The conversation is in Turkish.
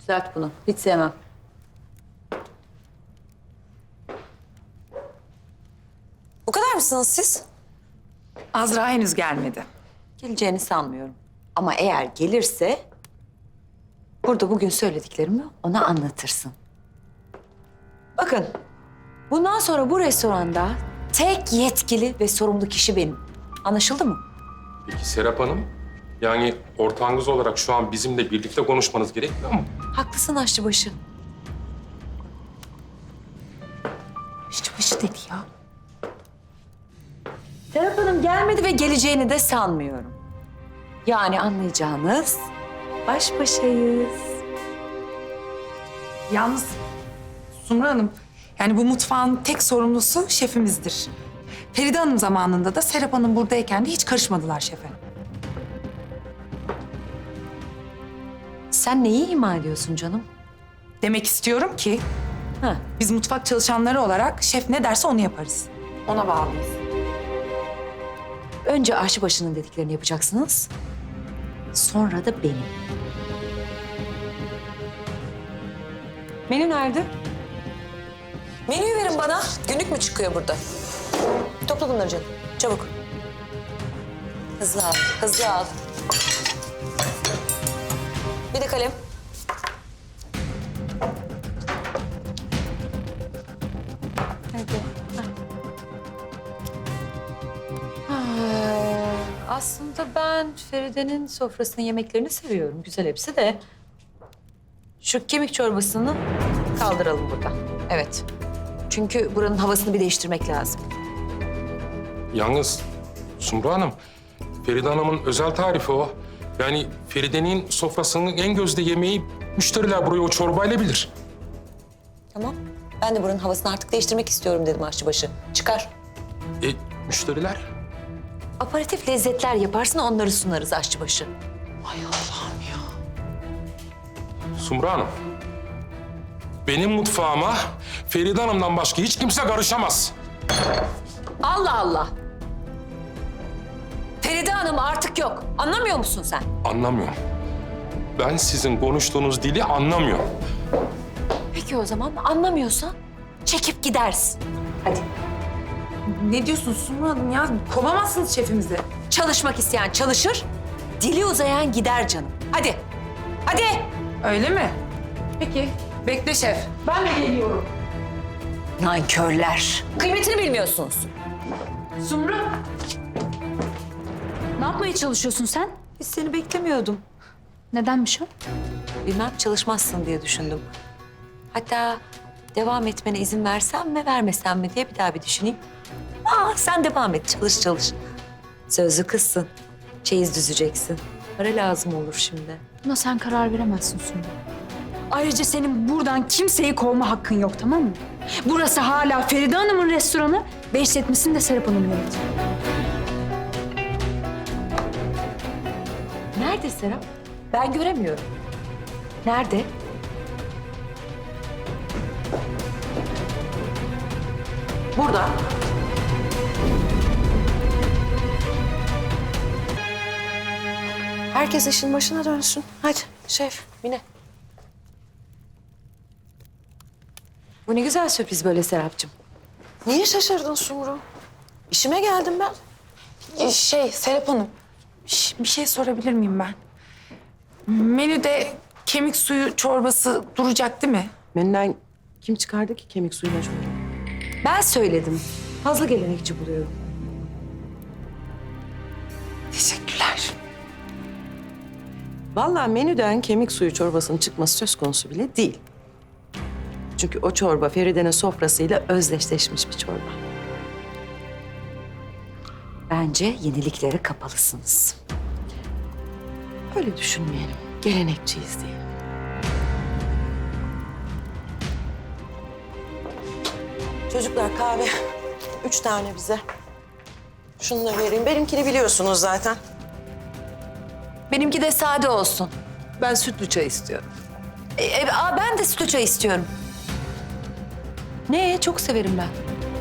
Düzelt bunu. Hiç sevmem. Bu kadar mısınız siz? Azra henüz gelmedi. Geleceğini sanmıyorum. Ama eğer gelirse... burada bugün söylediklerimi ona anlatırsın. Bakın, bundan sonra bu restoranda tek yetkili ve sorumlu kişi benim. Anlaşıldı mı? Peki Serap Hanım, yani ortağınız olarak şu an bizimle birlikte konuşmanız gerekmiyor mu? Haklısın aşçıbaşı. Aşçıbaşı dedi ya. Serap Hanım gelmedi ve geleceğini de sanmıyorum. Yani anlayacağınız baş başayız. Yalnız Sumru Hanım, yani bu mutfağın tek sorumlusu şefimizdir. Feride Hanım zamanında da Serap Hanım buradayken de hiç karışmadılar şefe. Sen neyi ima ediyorsun canım? Demek istiyorum ki Ha, biz mutfak çalışanları olarak şef ne derse onu yaparız. Ona bağlıyız. önce aşçıbaşının dediklerini yapacaksınız. Sonra da benim. Menü nerede? Menüyü verin bana. Günlük mü çıkıyor burada? Topla bunları canım. Çabuk. Hızlı al, hızlı al. Bir de kalem. Aslında ben Feride'nin sofrasının yemeklerini seviyorum. Güzel hepsi de. Şu kemik çorbasını kaldıralım buradan. Evet. Çünkü buranın havasını bir değiştirmek lazım. Yalnız Sumru Hanım, Feride Hanım'ın özel tarifi o. Yani Feride'nin sofrasının en gözde yemeği müşteriler burayı o çorbayla bilir. Tamam. Ben de buranın havasını artık değiştirmek istiyorum dedim aşçıbaşı. Çıkar. Müşteriler? Aperatif lezzetler yaparsın, onları sunarız aşçıbaşı. Sumru Hanım, benim mutfağıma Feride Hanım'dan başka hiç kimse karışamaz. Allah Allah! Feride Hanım artık yok. Anlamıyor musun sen? Anlamıyorum. Ben sizin konuştuğunuz dili anlamıyorum. Peki o zaman anlamıyorsan çekip gidersin. Hadi. Ne diyorsun Sumru Hanım ya? Kovamazsınız şefimizi. Çalışmak isteyen çalışır, dili uzayan gider canım. Hadi. Hadi. Öyle mi? Peki. Bekle şef. Ben de geliyorum. Nankörler. Kıymetini bilmiyorsunuz. Sumru. Ne yapmaya çalışıyorsun sen? Biz seni beklemiyordum. Nedenmiş o? Bilmem çalışmazsın diye düşündüm. Hatta devam etmene izin versem mi vermesem mi diye bir daha bir düşüneyim. Sen devam et, çalış çalış. Sözlü kızsın. Çeyiz düzeceksin. Para lazım olur şimdi. Buna sen karar veremezsin Sumru. Ayrıca senin buradan kimseyi kovma hakkın yok, tamam mı? Burası hala Feride Hanım'ın restoranı ve işletmesini de Serap Hanım yönetiyor. Nerede Serap? Ben göremiyorum. Nerede? Burada. Herkes işin başına dönsün. Hadi şef, Mine. Bu ne güzel sürpriz böyle Serapcığım. Niye şaşırdın Sumru? İşime geldim ben. Serap Hanım. Bir şey sorabilir miyim ben? Menüde kemik suyu çorbası duracak değil mi? Menüden kim çıkardı ki kemik suyuna çorba? Ben söyledim. Fazla gelenekçi buluyorum. Teşekkürler. Vallahi menüden kemik suyu çorbasının çıkması söz konusu bile değil. Çünkü o çorba Feride'nin sofrasıyla özdeşleşmiş bir çorba. Bence yeniliklere kapalısınız. Öyle düşünmeyelim. Gelenekçiyiz diye. Çocuklar kahve. 3 tane bize. Şunu da vereyim. Benimkini biliyorsunuz zaten. Benimki de sade olsun. Ben sütlü çay istiyorum. Ben de sütlü çay istiyorum. Ne? Çok severim ben.